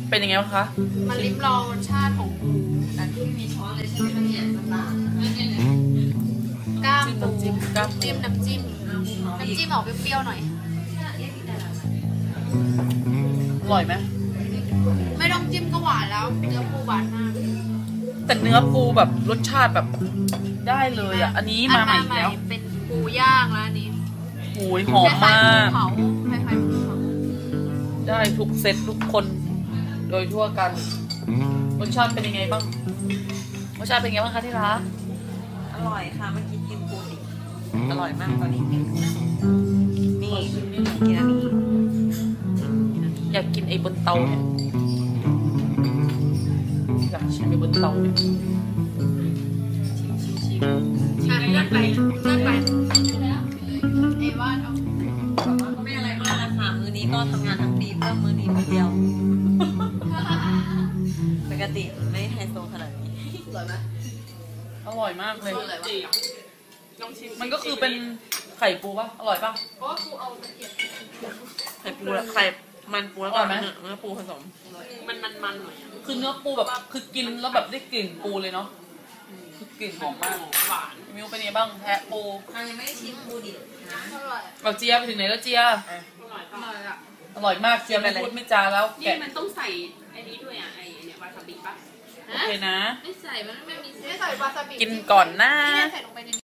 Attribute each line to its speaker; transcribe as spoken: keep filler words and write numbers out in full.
Speaker 1: เป็นยังไงบ้างคะ
Speaker 2: มาลิ้มลองรสชาติของปูแต่ที่มีช้อนเลยใช่ไหมเนี่ยต่างๆก้ามปูจิ้มน้ำจิ้มน้ำจิ้มน้ำจิ้มออกเปรี้ยวๆหน่อย
Speaker 1: อร่อยไหม
Speaker 2: ไม่ต้องจิ้มก็หวานแล้วเนื้อปูหวานมาก
Speaker 1: แต่เนื้อปูแบบรสชาติแบบได้เลยอ่ะอันนี้มาใหม่แล้ว
Speaker 2: เป็นปูย่างแล้วอันนี้
Speaker 1: โอ้ยหอมมาก
Speaker 2: คล้ายๆปูเผา
Speaker 1: ได้ทุกเซตทุกคนโดยทั่วกันรสชาติเป็นยังไงบ้างรสชาติเป็นยังไงบ้างคะที่ร้าน
Speaker 3: อร่อยค่ะเมื่อกี้กินปูดิอร่อยมากตอนนี้นี่กินอันนี้
Speaker 1: อยากกินไอ้บนเตาเนี่ยอยากชิมไอ้บนเตาเนี่ย
Speaker 2: ชิมชิมชิมชิมเลื่อนไปเลื่อนไปเอว่าเอา
Speaker 3: ไม่อะไรมากนะคะมื้อนี้ก็ทำงานทั้งปีเพื่อมื้อนี้มื้อเดียวปกติไม่ไฮโซขนาดนี้
Speaker 2: อร่อยไหม
Speaker 1: อร่อยมากเลยมันก็คือเป็นไข่ปูป่ะอร่อยป่ะ
Speaker 2: เพราะว่าปูเอาตะเกียบ
Speaker 3: ไข่ปูไข่มันปูแล้วก็เนื้อปูผสม
Speaker 2: มันมันมันหน่อย
Speaker 1: คือเนื้อปูแบบคือกินแล้วแบบได้กลิ่นปูเลยเนาะคือกลิ่นหอมมาก
Speaker 2: หวาน
Speaker 1: มิวเป็นยังไงบ้างแพะปู
Speaker 3: ยังไม่ได้ชิมปูดิบนะ
Speaker 1: เราเจียไปถึงไหนแล้วเจีย
Speaker 2: อร่อยอร่อยอ่ะ
Speaker 1: อร่อยมากเจียไม่พูดไม่จาแล้ว
Speaker 2: นี่มันต้องใส่ไอ้นี้ด้วยอ่ะไอ้เนี่ยวาซาบิป่ะ
Speaker 1: โอเคนะ
Speaker 2: ไม่ใส่มันไม่มีไม่ใส่วาซาบิ
Speaker 1: กินก่อนนะ
Speaker 2: ใส่ลงไปใน